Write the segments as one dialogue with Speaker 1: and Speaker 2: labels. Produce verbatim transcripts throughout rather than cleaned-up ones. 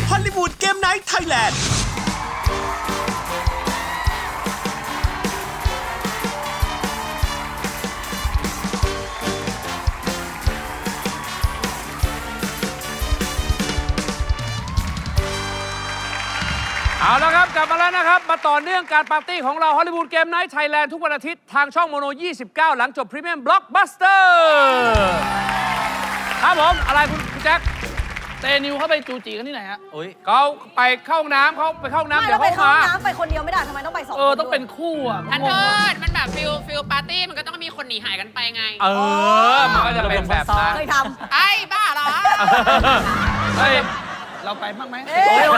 Speaker 1: ฮอลลีวูดเกมไนท์ไทยแลนด์
Speaker 2: เอาละครับกลับมาแล้วนะครับมาต่อเนื่องการปาร์ตี้ของเราฮอลลีวูดเกมไนท์ไทยแลนด์ทุกวันอาทิตย์ทางช่องโมโนยี่สิบเก้าหลังจบพรีเมียมบล็อกบัสเตอร์ครับผมอะไรคุณแจ็ค
Speaker 3: เตนิวเข้าไปจูจีกันที่ไหนฮะ
Speaker 2: โอ้ยเขาไปเข้าห้องน้ำเขาไปเข้าห้องน้ำ
Speaker 4: ไม่
Speaker 2: เดี๋
Speaker 4: แล้
Speaker 2: ยว ว
Speaker 4: ไป
Speaker 2: เขา
Speaker 4: เข้า
Speaker 2: มา
Speaker 4: น้ำไปคนเดียวไม่ได้ทำไมต้องไปสองคน
Speaker 3: เออต้องเป็นคู่อ่ะ
Speaker 5: อันโทษมันแบบฟิลฟิลปาร์ตี้มันก็ต้องมีคนหนีหายกันไปไง
Speaker 2: เออมันก็จะเป็นแบบนั้น
Speaker 4: เคยท
Speaker 5: ไอ้บ้าเหรอ
Speaker 2: เฮ้ย
Speaker 3: เราไปบ้างไหม
Speaker 4: ำเอ๊ะ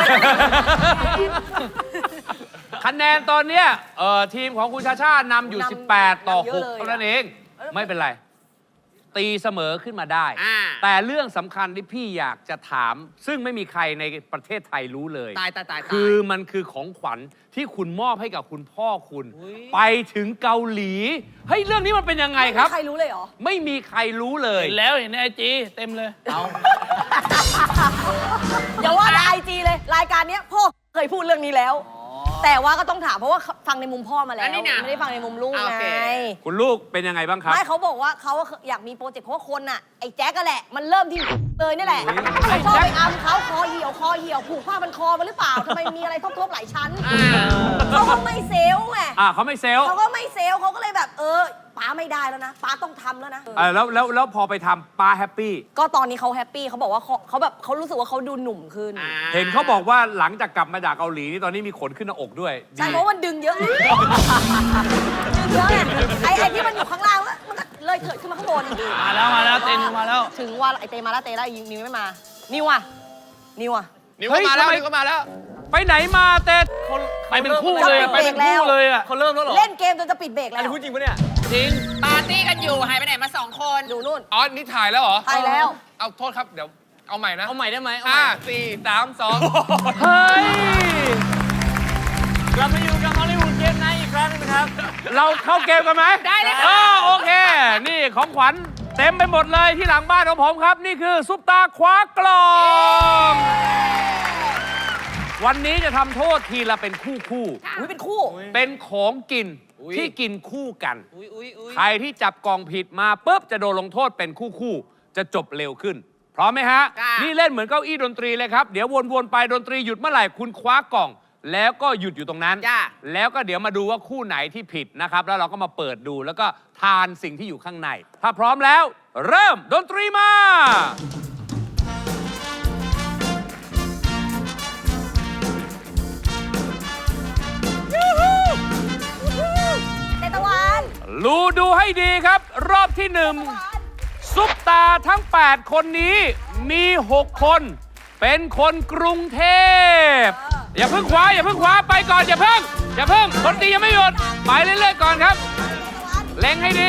Speaker 2: คะแนนตอนเนี้ยเอ่อทีมของคุณชาชานำอยู่
Speaker 4: นำ
Speaker 2: สิบแปด ต่อ
Speaker 4: นำเย
Speaker 2: ห
Speaker 4: อะ
Speaker 2: ก
Speaker 4: เลย
Speaker 2: เท่านั้นเอง
Speaker 4: เออ
Speaker 2: ไม่เป็นไร ตีเสมอขึ้นมาได้
Speaker 5: อ่า
Speaker 2: แต่เรื่องสำคัญที่พี่อยากจะถาม ซึ่งไม่มีใครในประเทศไทยรู้เลย
Speaker 5: ตายตายตาย
Speaker 2: คือมันคือของขวัญที่คุณมอบให้กับคุณพ่อคุณ ไปถึงเกาหลีเฮ้ยเรื่องนี้มันเป็นยังไงครับ
Speaker 4: ใครรู้เลยเหรอ
Speaker 2: ไม่มีใครรู้เลย
Speaker 3: เห็นแล้วเห็นในไอจีเต็มเลยเอา
Speaker 4: อย่าว่าแต่ไอจีเลย รายการเนี้ยพ่อเคยพูดเรื่องนี้แล้ว แต่ว่าก็ต้องถามเพราะว่าฟังในมุมพ่อมาแล้ว ไม่ได้ฟังในมุมลูกไง
Speaker 2: คุณลูกเป็นยังไงบ้างครับ
Speaker 4: ไม่เขาบอกว่าเขาอยากมีโปรเจกต์เพราะว่าคนอ่ะไอ้แจ๊กก็แหละ มันเริ่มที่เลยนี่แหละเขาชอบไปอัมเขาคอเหี่ยวคอเหี่ยวผูกผ้ามันคอมาหรือเปล่าทำไมมีอะไรทบๆหลายชั้นเขาก็ไม่เซลล์ไง
Speaker 2: อ่าเขาไม่เซลล์
Speaker 4: เขาก็ไม่เซลล์เขาก็เลยแบบเออป้าไม่ได้แล้วนะป้าต้องทำแล้วนะ
Speaker 2: เออแล้วแล้วแล้วพอไปทำป้าแฮปปี้
Speaker 4: ก็ตอนนี้เขาแฮปปี้เขาบอกว่าเขาเขาแบบเขารู้สึกว่าเขาดูหนุ่มขึ้น
Speaker 2: เห็นเขาบอกว่าหลังจากกลับมาจากเกาหลีนี่ตอนนี้มีขนขึ้นหน้าอกด้วย
Speaker 4: ใช่
Speaker 2: ดี
Speaker 4: เพราะมันดึงเยอะ ดึงเยอะไงไอ้ไอ้ที่มันอยู่ข้างล่างแล้วมันก็เลยเถิดขึ้นมาข้างบน
Speaker 3: มาแล้วมาแล้วเตนิวมาแล้ว
Speaker 4: ถึงว่าไอ้เตมาแล้วเตแล้วนิวไม่มานิวอ่ะนิวอ่ะ
Speaker 5: นิวก็มาแล้วนิวก็มาแล้ว
Speaker 2: ไปไหนมาเต้
Speaker 3: ไปเป็นคู่เลยอะไปเป็นคู่เลยอ่ะ
Speaker 5: เขาเริ่มแล้วเหรอ
Speaker 4: เล่นเกมจนจะปิดเบรกแล้ว
Speaker 5: พูดจริงปะเนี่ย
Speaker 3: จริง
Speaker 5: ปาร์ตี้กันอยู่หายไปไหนมาสองคน
Speaker 4: ดูนู่น
Speaker 6: อ๋อ นี่ถ่ายแล้วเหรอ
Speaker 4: ไปแล้ว
Speaker 6: เอาโทษครับ เดี๋ยว เอาใหม่นะ
Speaker 5: เอาใหม่ได้ไหมเอาให
Speaker 6: ห้า
Speaker 5: ม่
Speaker 6: สี่สามสอง
Speaker 2: เฮ้ย
Speaker 3: กลับมาอยู่กับฮอลลีวูดเกมไนท์อีกครั้งนึงครับ
Speaker 2: เราเข้าเกมกันไหม
Speaker 5: ได้เลย
Speaker 2: เอ
Speaker 5: ค่ะ
Speaker 2: อโอเค นี่ของขวัญเต็มไปหมดเลยที่หลังบ้านของผมครับ นี่คือซุปตาคว้ากล่อง วันนี้จะทำโทษทีละเป็นคู่คู่
Speaker 4: อุ้ยเป็นคู่
Speaker 2: เป็นของกินที่กินคู่กัน
Speaker 5: อุ้ยอุ้ยอุ้ย
Speaker 2: ใครที่จับกล่องผิดมาปุ๊บจะโดนลงโทษเป็นคู่คู่ๆจะจบเร็วขึ้น พร้อมไหมฮะ นี่เล่นเหมือนเก้าอี้ดนตรีเลยครับ เดี๋ยววนๆไปดนตรีหยุดเมื่อไหร่คุณคว้ากล่อง แล้วก็หยุดอยู่ตรงนั้น
Speaker 5: จ้า
Speaker 2: แล้วก็เดี๋ยวมาดูว่าคู่ไหนที่ผิดนะครับ แล้วเราก็มาเปิดดูแล้วก็ทานสิ่งที่อยู่ข้างใน ถ้าพร้อมแล้ว เริ่มดนตรีมา
Speaker 4: เตตะวัน
Speaker 2: รูดูให้ดีครับ รอบที่หนึ่งซุปตาทั้ง แปด คนนี้มี หก คน เป็นคนกรุงเทพ อย่าเพิ่งคว้าอย่าเพิ่งคว้าไปก่อนอย่าเพิ่งอย่าเพิ่งคนตียังไม่หยุดไปเรื่อยๆก่อนครับ เล็งให้ดี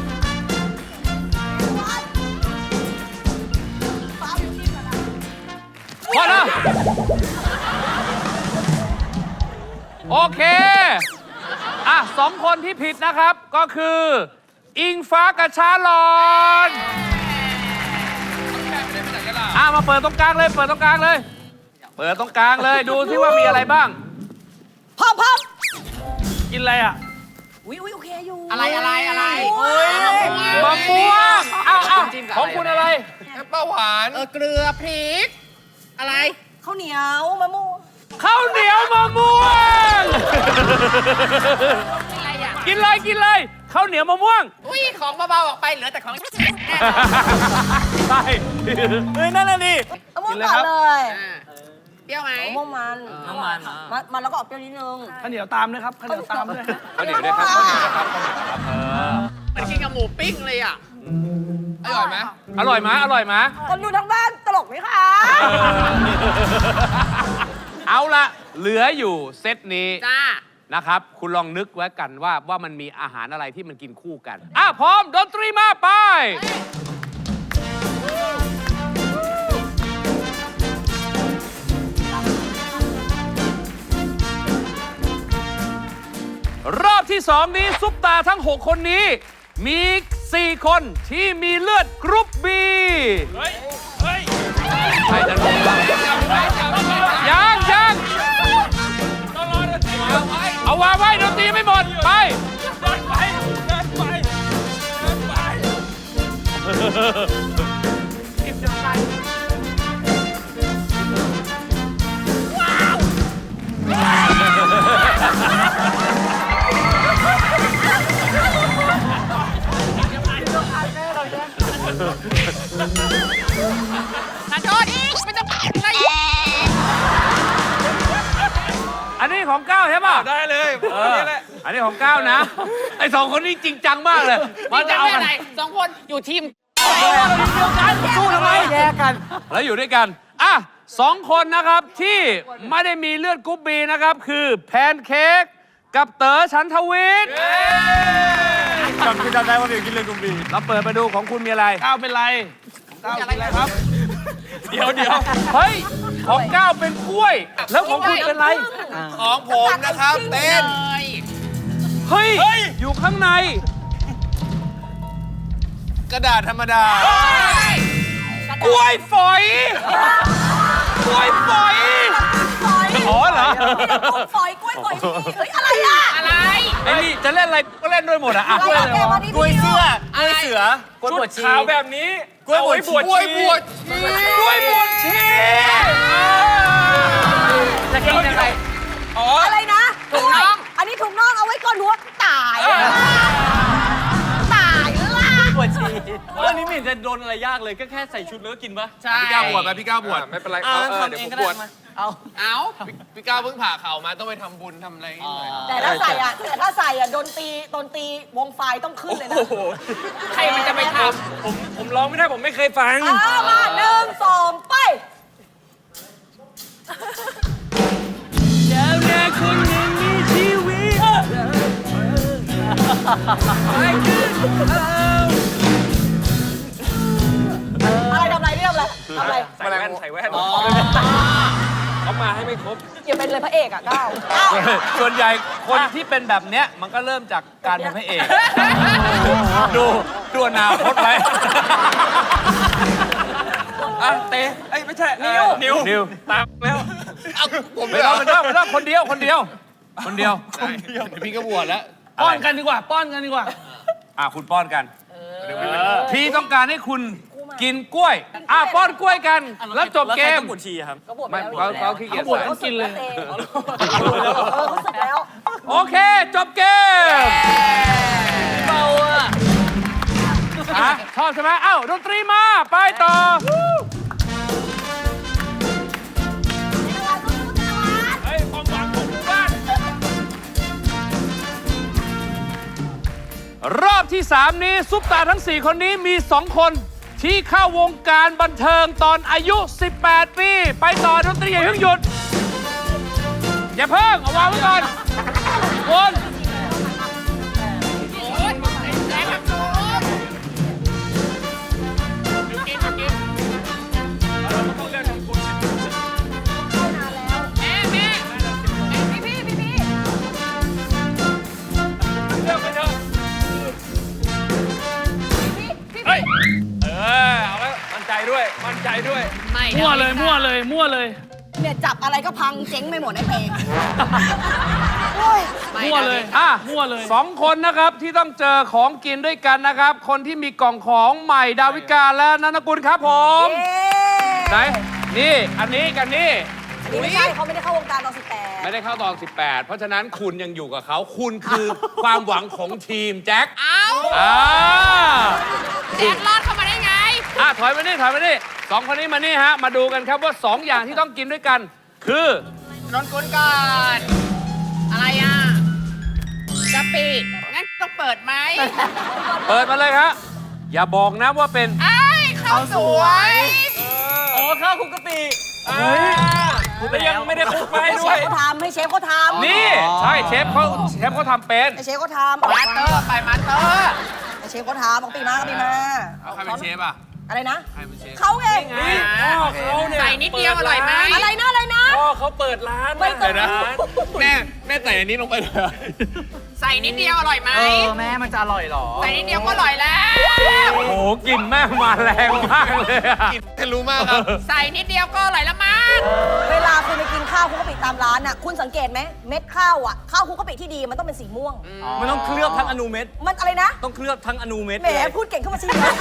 Speaker 2: พอแล้วโอเคอ่ะสองคนที่ผิดนะครับก็คือ อิงฟ้ากับชาลอนอ่ะมาเปิดตรงกลางเลยเปิดตรงกลางเลย เปิดตรงกลางเลยดูที่ว่ามีอะไรบ้าง
Speaker 4: พร้อมพร้อม
Speaker 3: กินอะไรอ่ะ
Speaker 4: อุ้ยอุ้ยโอเคอยู่
Speaker 5: อะไรอะไรอะไร
Speaker 4: อุ้ย
Speaker 2: มะม่วงอ้าวอ้าวของคุณอะไร
Speaker 6: แอปเปิ้ลหวาน
Speaker 5: เออเกลือพริก อะไร
Speaker 4: ข้าวเหนียวมะม่วง
Speaker 2: ข้าวเหนียวมะม่วง
Speaker 5: อะไรอ่ะ
Speaker 2: กินเลยกินเลยข้าวเหนียวมะม่วง
Speaker 5: อุ้ยของเบาๆออกไปเหลือแต่ของ
Speaker 2: ใช่
Speaker 3: เฮ้ยนั่นน่ะดิ
Speaker 4: มะม่วงก่อนเลย
Speaker 5: อ่าเปรี้ยวไหม
Speaker 4: มะม่วงมัน
Speaker 3: น้ำมัน
Speaker 4: มันมันแล้วก็ออกเปรี้ยวนิดนึง
Speaker 3: ข้าวเหนียวตามด้วยครับข้าวเหนียวตามด้วย
Speaker 2: ข้าวเหนียวด้วยครับข้าวเหนียวด้วยครับข้าวเหนียวครับเออ
Speaker 5: มันกินกับหมูปิ้งเลยอ่ะ
Speaker 6: อร่อยไหม
Speaker 2: อร่อยไหมอร่อยไหม
Speaker 4: คนดูทั้งบ้านตลกไหมคะ
Speaker 2: เอาละเหลืออยู่เซตนี้
Speaker 5: จ้า
Speaker 2: นะครับ คุณลองนึกไว้กันว่าว่ามันมีอาหารอะไรที่มันกินคู่กันอ่ะพร้อมดนตรีมาไป รอบที่สองนี้ซุปตาทั้ง หก คนนี้ มี สี่ คนที่มีเลือดกรุ๊ปบี
Speaker 3: เฮ้ย เฮ้ย
Speaker 2: ใครจะรู้บ้าง
Speaker 6: จับไว้จับไว้
Speaker 5: ขอโทษไม่ต้องอะไร
Speaker 2: อันนี้ของก้าวใช่ป่ะ
Speaker 6: ได้เลย
Speaker 2: เอออันนี้ของก้าวนะ ไอ้สองคนนี้จริงจังมากเลย
Speaker 5: นี่จะ
Speaker 2: เอา
Speaker 5: เป็น
Speaker 2: กัน
Speaker 5: อะไรสองคนอยู่ทีม
Speaker 2: สู้ทำไมแยกกัน แล้วอยู่ด้วยกัน อ่ะสองคนนะครับที่ไม่ได้มีเลือดกรุ๊ปบีนะครับ คือแพนเค้กกับเต๋อฉันทวิทย์
Speaker 3: จำจำได้ว่าเดี๋ยวกินเลยกุมบี
Speaker 2: เราเปิดมาดูของคุณมีอะไร
Speaker 3: ก้าวเป็นไรก้าวเป็นไรครับ เดี๋ยวเดี๋ยว
Speaker 2: เฮ้ย ของก้าวเป็นกล้วย แล้วของคุณเป็นอะไร
Speaker 6: ของผมนะครับเป็น
Speaker 5: เลย
Speaker 2: เฮ้ย อยู่ข้างใน
Speaker 6: กระดาษธรรมดา
Speaker 2: กล้วยฝอย กล้วยฝอย
Speaker 4: ฝอย
Speaker 2: อ๋อเหรอ
Speaker 4: นี่เรากล้วยฝอยกล้วยฝอยนี่เฮ้ยอะไรอ่ะ
Speaker 5: อะไร
Speaker 2: ไอ้นี่จะเล่นอะไรก็เล่นด้วยหมดอะอ่ะ
Speaker 4: อะไรอะแกมาดิ
Speaker 3: กล้วยเสื้อ
Speaker 5: อะไร
Speaker 3: เสือกล้วยบวชชีขาวแบบนี้
Speaker 6: กล้วยบวชชีกล้วยบวชชี
Speaker 2: กล้วยบวชชี
Speaker 3: จะกินยังไง
Speaker 6: อ๋อ
Speaker 4: อะไรนะ
Speaker 5: ถุงน่อง
Speaker 4: อันนี้ถุงน่องเอาไว้ก่อนหัวตายตายละ
Speaker 3: บวชชีเรื่องนี้ไม่เห็นจะโดนอะไรยากเลยก็แค่ใส่ชุดแล้วก็กินปะ
Speaker 5: ใช่
Speaker 6: พี่ก้าวบวชไหมพี่ก้าวบวชไม่เป็นไร
Speaker 3: อ่า
Speaker 6: เออ
Speaker 3: ทำ
Speaker 6: เดี๋ยว
Speaker 3: เอ
Speaker 6: ผ
Speaker 3: ง
Speaker 6: ม
Speaker 3: ก็
Speaker 6: บ
Speaker 3: ได้
Speaker 6: วช
Speaker 3: มาเอา
Speaker 5: เอา
Speaker 6: พี่ก้าวเพิ่งผ่าเข่ามาต้องไปทำบุญทำอะไรนิดหน่อย
Speaker 4: แต่ถ้าใส่อ่ะแต่ถ้าใส่อ่ะโดนตีโดนตีวงไฟต้องขึ้นเลยนะ
Speaker 5: ใครมันจะไปท
Speaker 3: ผมผมร้องไม่ได้ผมไม่เคยฟัง
Speaker 4: อ้ามาหนึ่งสองไป
Speaker 3: เจ้าแม่คนหนึ่งมีชีวิต
Speaker 4: อะไรทำอะไรเรียบเลยทำอะไร
Speaker 3: ใส่แว่นใส่แว่นเขามาให้ไม่ครบ
Speaker 4: อย่าเป็นเลยพระเอกอ่ะก้าวก้าว
Speaker 2: ส่วนใหญ่คนที่เป็นแบบเนี้ยมันก็เริ่มจากการเป็นพระเอก ดูดูอนาคตไว้
Speaker 3: อ่ะเตะเอ้ยไม่ใช่นิ้วนิ้ว
Speaker 2: นิว
Speaker 3: ตามแล้ว
Speaker 6: เอาผม
Speaker 2: ไม่ต้องไม่ต้องไม่ต้องคนเดียวคนเดียว คนเดียว
Speaker 6: เดี๋ยวพี่ก็บวชแล้ว
Speaker 3: ป้อนกันดีกว่า ป้อนกันดีกว่า
Speaker 2: อ่ะคุณป้อนกันพี่ต้องการให้คุณกินกล้วย อ่ะป้อนกล้วยกัน แล้วจบเกม
Speaker 3: แล้วใครต้องบวชชีอะครับ
Speaker 4: เขาบวชไป
Speaker 2: ไม่
Speaker 4: แล้ว
Speaker 2: เขาเขาขี้เกียจ
Speaker 3: เขาบวช
Speaker 2: ใส่
Speaker 3: ต้องกินเลย
Speaker 4: เออเขาสึกแล้ว
Speaker 2: โอเค จบเกม
Speaker 3: เบาอ่ะ
Speaker 2: อ่ะชอบใช่ไหมเอ้าดนตรีมา ไปต่อ
Speaker 3: เฮ้ยความหวังของหมู่บ้าน
Speaker 2: รอบที่ สาม นี้ ซุปตาทั้ง สี่ คนนี้มี สอง คนที่เข้าวงการบันเทิงตอนอายุ สิบแปด ปี ไปต่อดนตรีอย่าเพิ่งหยุด อย่าเพิ่ง เอาวางไว้ก่อนวน
Speaker 5: ำโอ้ยแรงครับโอ้ยกินกินแม่แม่พี่พี่พี่พี่
Speaker 3: เลือกไปเถอะเฮ้ย เออ เอาไว้มั่นใจด้วย มั่นใจด้วย
Speaker 5: ไม่
Speaker 3: มั่วเลย มั่วเลย มั่วเลย
Speaker 4: เนี่ยจับอะไรก็พังเจ๊งไปหมดไอ้เพลงโอ้ย
Speaker 3: มั่วเลย
Speaker 2: อ่ะ
Speaker 3: มั่วเลย
Speaker 2: สองคนนะครับที่ต้องเจอของกินด้วยกันนะครับ คนที่มีกล่องของใหม่ดาวิกาและนันทกุลครับผม
Speaker 4: เย้
Speaker 2: ไหน นี่ อันนี้กันนี่
Speaker 4: อันนี้ไม่ใช่เขาไม่ได้เข้าวงการตอนสิบแปด
Speaker 2: ไม่ได้เข้าตอน สิบแปด เพราะฉะนั้นคุณยังอยู่กับเขา คุณคือ ความหวังของทีมแจ็ค
Speaker 5: เอา
Speaker 2: อ่า
Speaker 5: แจ็ครอดเข้ามาได้ไง
Speaker 2: อ่ะถอยมานี่ถอยมานี่สองคนนี้มานี่ฮะ มาดูกันครับว่าสองอย่างที่ต้องกินด้วยกัน คือ
Speaker 5: นอนกุนก่อนอะไรอ่ะกะปิงั้นต้องเปิดไหม
Speaker 2: เปิดมาเลยครับอย่าบอกนะว่าเป็น
Speaker 5: ไอ้ยข้าวสวย
Speaker 3: อ๋อ ข้าวคลุกกะปิเฮ้ยแล้วยังไม่ได้คลุกมาให้
Speaker 4: ให้เช
Speaker 3: ด้วย
Speaker 4: ฟเขาทำให้เชฟเขาทำ
Speaker 2: นี่ ใช่เชฟเขาเชฟเขาทำเป็น
Speaker 4: ให้เชฟเขาทำ
Speaker 5: มาเตอร์ไปมาเตอร์
Speaker 4: ให้เชฟเขาทำเอาปีมาเอาปีมา
Speaker 6: เอาใครเป็นเชฟอ่ะ
Speaker 4: อะไรนะ
Speaker 6: ใครเป็นเชฟ
Speaker 4: เขาไง
Speaker 3: นี่พ่อเขาเนี่ย
Speaker 5: ใส่นิดเดียวอร่อยไหม
Speaker 4: อะไรนะอะไรนะ
Speaker 3: พ่อเขาเปิดร้าน
Speaker 4: ไม่ต้อง
Speaker 3: เปิดร้าน
Speaker 6: แม่แม่ใส่อันนี้ลงไปเลย
Speaker 5: ใส่นิดเดียวอร่อยไหม
Speaker 3: เออแม่มันจะอร่อยเหรอ
Speaker 5: ใส่นิดเดียวก็อร่อยแล้ว
Speaker 2: โอ้โหกลิ่นแม่งมาแรงมากเลยอะ
Speaker 6: กินทะลุมากครับ
Speaker 5: ใส่นิดเดียวก็อร่อยแล้วมั้ง
Speaker 4: เวลาคุณไปกินข้าวคลุกกะปิตามร้านอ่ะคุณสังเกตไหมเม็ดข้าวอ่ะข้าวคลุกกะปิที่ดีมันต้องเป็นสีม่วง
Speaker 3: มันต้องเคลือบทั้งอนูเม็ด
Speaker 4: มันอะไรนะ
Speaker 3: ต้องเคลือบทั้งอนูเม็ด
Speaker 4: แหม
Speaker 3: เลย
Speaker 4: พูดเก่งเข้ามาสิคือ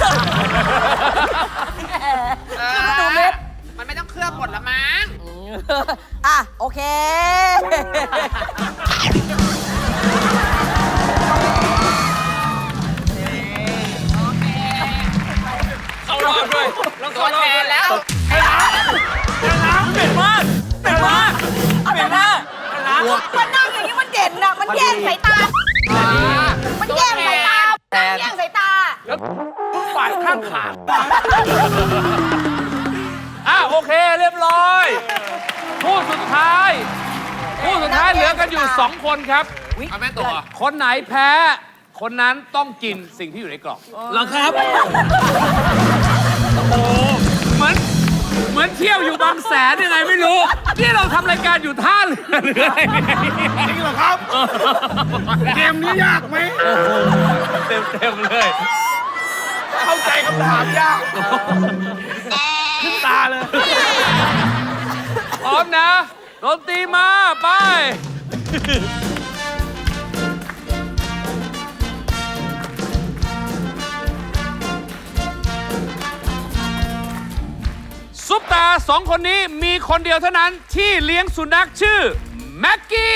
Speaker 4: มาดูเม็ด
Speaker 5: มันไม่ต้องเคลือบหมดละมั้ง
Speaker 4: อ่ะโอเค
Speaker 6: เข้ารอบด้วยแล้ว
Speaker 5: ตัวแทนแล้ว
Speaker 3: เป็นมากเป็นมากเป็นมาก
Speaker 4: มันนั่งอย่างนี้มันเด่นน่ะมันแย่งสายตา มันแย่งสายตาแย่งสายตา
Speaker 2: ฝ่ายข้างขาอ่ะโอเคเรียบร้อยคู่สุดท้ายคู่สุดท้ายเหลือกันอยู่สองคนครับ
Speaker 6: เอาแม่ตัว
Speaker 2: คนไหนแพ้ คนนั้นต้องกินสิ่งที่อยู่ในกล่อง
Speaker 3: เหรอครับ
Speaker 2: โอ้เหมือนเหมือนเที่ยวอยู่บางแสนยังไงไม่รู้นี่เราทำรายการอยู่ท่าเรือหรืออะไรเนี่ยจริงเหรอครับเกมนี้ยากไหมเต็มเต็มๆเลย
Speaker 6: เข้าใจคำถามยาก
Speaker 2: ขึ้นตาเลยพร้อมนะดนตรีมาไปซุปตาสองคนนี้มีคนเดียวเท่านั้นที่เลี้ยงสุนัขชื่อแม็กกี้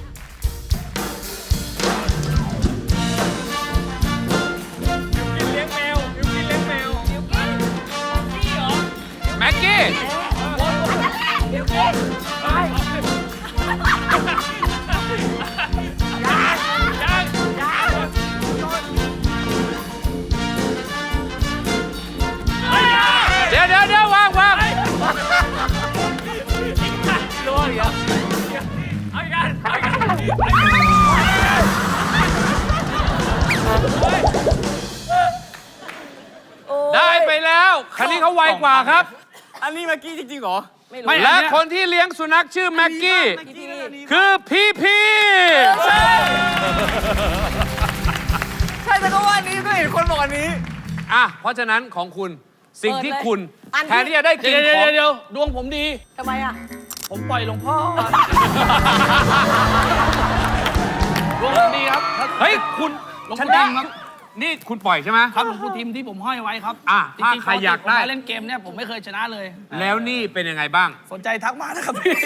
Speaker 2: แม็กกี้เดี๋ยวเดี๋ยวเดี๋ยววางวางได้ไปแล้วคันนี้เขาไวกว่าครับ
Speaker 3: อันนี้เมื่อกี้จริงๆเหรอ
Speaker 4: ไม่รู้
Speaker 2: และคนที่เลี้ยงสุนัขชื่อแม็กกี้ คือพี่พี่
Speaker 3: ใช่แต่ก็ว่าอันนี้ก็เห็นคนบอกอันนี้
Speaker 2: อ่ะเพราะฉะนั้นของคุณสิ่งที่คุณแทนที่จะได้กิน
Speaker 3: เดี๋ยว
Speaker 2: ของ
Speaker 3: เดี๋ยวดวงผมดี
Speaker 4: ทำไมอ่ะ
Speaker 3: ผมปล่อยหลวงพ่อดวงผมดีครับ
Speaker 2: เฮ้ยคุณ
Speaker 3: หลวง
Speaker 2: ช
Speaker 3: พ่อ
Speaker 2: นะ
Speaker 3: ทิมครับ
Speaker 2: นี่คุณปล่อยใช่ไหม
Speaker 3: ครับหลวงพ่อทิมที่ผมห้อยไว้ครับ
Speaker 2: อ่ะ
Speaker 3: จ
Speaker 2: ถ้า
Speaker 3: ริงๆ
Speaker 2: ใครอยากได้
Speaker 3: ปติผมมเล่นเกมเนี่ยผมไม่เคยชนะเลย
Speaker 2: แล้วนี่เป็นยังไงบ้าง
Speaker 3: สนใจทักมานะครับพี่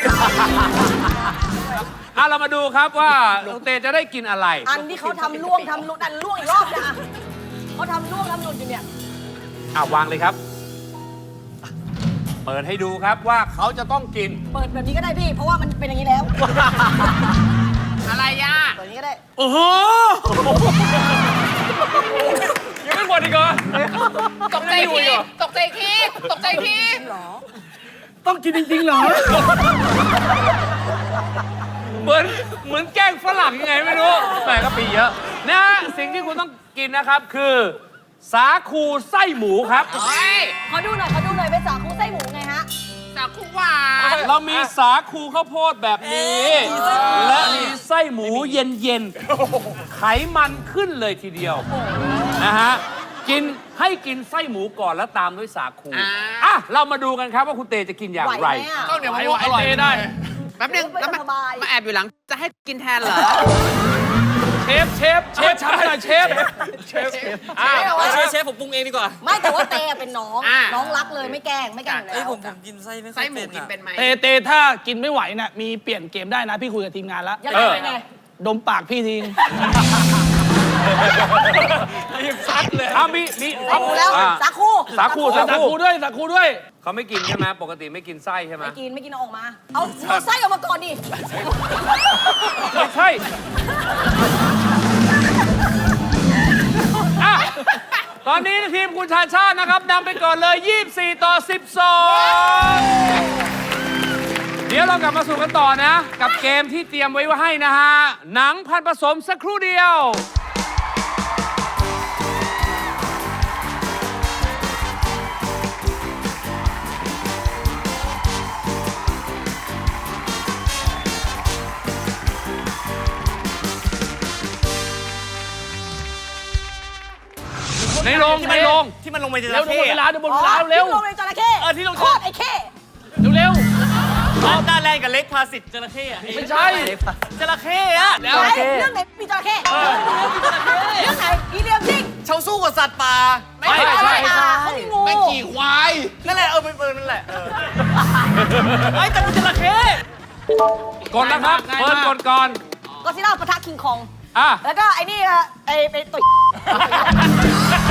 Speaker 2: อ่ะเรามาดูครับว่าน้องเตจะได้กินอะไร
Speaker 4: อันที่เขาทำล่วงทำหลุดอันล่วงอีกรอบนะเขาทำล่วงทำหลุดอยู่เนี่ย
Speaker 2: อ่ะวางเลยครับ เปิดให้ดูครับว่าเขาจะต้องกิน
Speaker 4: เปิดแบบนี้ก็ได้พี่ เพราะว่ามันเป็นอย่างนี้แล้ว
Speaker 5: อะไรอ่ะ
Speaker 4: เปิดอย่างนี้ก็ได้
Speaker 3: โอ้โห
Speaker 2: ยังไม่หมดอีกเหรอ
Speaker 5: ตกใจทีตกใจทีตกใจที
Speaker 3: ต้องกินจริงๆเหรอ
Speaker 2: เหมือนเหมือนแกล้งฝรั่งยังไงไม่รู้แต่ก็ปีเยอะนะฮะสิ่งที่คุณต้องกินนะครับคือ สาคูไส้หมูครับ
Speaker 5: เฮ้ย
Speaker 4: ขอดูหน่อย ขอดูหน่อยเป็นสาคูไส้หมูไงฮะ
Speaker 5: สาคูหวาน
Speaker 2: เรามีสาคูข้าวโพดแบบนี้ และมีไส้หมูเย็นๆ ไขมันขึ้นเลยทีเดียวนะฮะ กินให้กินไส้หมูก่อนแล้วตามด้วยสาคู อ่ะ เรามาดูกันครับว่าคุณเตจะกินอย่าง
Speaker 4: ไหว
Speaker 2: ไร
Speaker 4: ไหมอ่ะ
Speaker 6: ข้าวเหนียวมะม่วงอร่อยได้
Speaker 5: แป๊บนึงแล้วมา
Speaker 4: สบาย
Speaker 5: มาแอบอยู่หลัง จะให้กินแทนเหรอ
Speaker 2: เชฟ เชฟ เชฟทำให้หน่อยเชฟ เชฟอ่ะ
Speaker 3: เชฟเชฟผมปรุงเองดีกว่า
Speaker 4: ไม่แต่ว่าเตอะเป็นน้อง
Speaker 5: อ่า
Speaker 4: น้องรักเลยไม่แกล้งไม่แกล้งอยู่แล้ว
Speaker 3: ผมผมกินไส้ไม่ค่
Speaker 5: ไส้
Speaker 3: อย
Speaker 5: หมู
Speaker 3: เป็น
Speaker 5: กิน
Speaker 3: อะ
Speaker 5: เป็นไหม
Speaker 7: เตเตถ้ากินไม่ไหวน่ะมีเปลี่ยนเกมได้นะ พี่คุยกับทีมงานแล้ว
Speaker 4: ยัง
Speaker 2: เอ
Speaker 4: ไง
Speaker 2: อ
Speaker 4: ยังไง
Speaker 7: ดมปากพี่ทิ้ง
Speaker 2: ซัดเลยอ่ะมีมี
Speaker 4: สาคูแล้ว
Speaker 2: อ่ะ
Speaker 4: สาคู
Speaker 2: สาคู
Speaker 7: สาคูด้วยสาคูด้วย
Speaker 2: เขาไม่กินใช่ไหมปกติไม่กินไส้ใช่ไหม
Speaker 4: ไม่กินไม่กินเอาออกมา เอาเอาไส้ออกมาก่อนดิ
Speaker 2: ไม่ใช่อ่ะตอนนี้ทีมคุณชาชาตินะครับนำไปก่อนเลย ยี่สิบสี่ ต่อ สิบสอง เดี๋ยวเรากลับมาสู่กันต่อนะ กับเกมที่เตรียมไว้ให้นะฮะ หนังพันผสมสักครู่เดียวในโรงในโรง
Speaker 3: ที่มันลงไปในจ
Speaker 7: เร็ว
Speaker 3: ระ
Speaker 7: เดี๋ยวหม
Speaker 3: เข้
Speaker 7: ดเวลา
Speaker 3: อะ
Speaker 7: เดี๋ยวหมดเวลาเร็ว
Speaker 4: ที่ลงในจระเข้
Speaker 3: เออที่ลง
Speaker 4: โคตรไอ้เข้
Speaker 7: เร็วเร็ว
Speaker 3: ตอนตาแลนกับเล็กพาสิทธิ์จระเข้อะ
Speaker 7: ไม่ใช่
Speaker 3: จระเข้อะ
Speaker 4: ไหนเรื่องไหนมีจระเข้เรื่องไหนอีเลียมซิง
Speaker 3: เขาสู้กับสัตว์ป่า
Speaker 7: ไม่ใช่
Speaker 4: อะไรอ่ะเขามีงู
Speaker 6: แม่งขี่ควาย
Speaker 3: นั่นแหละเออเป็นเออนั่นแหละเออไอ้แต่เป็นจระเข้
Speaker 2: กดนะครับเฟิร์นกดก่อน
Speaker 4: ก็ซิล่าปะทะคิงคอง
Speaker 2: อ่ะ
Speaker 4: แล้วก็ไอ้นี่อ่ะไอ้ไปต่อย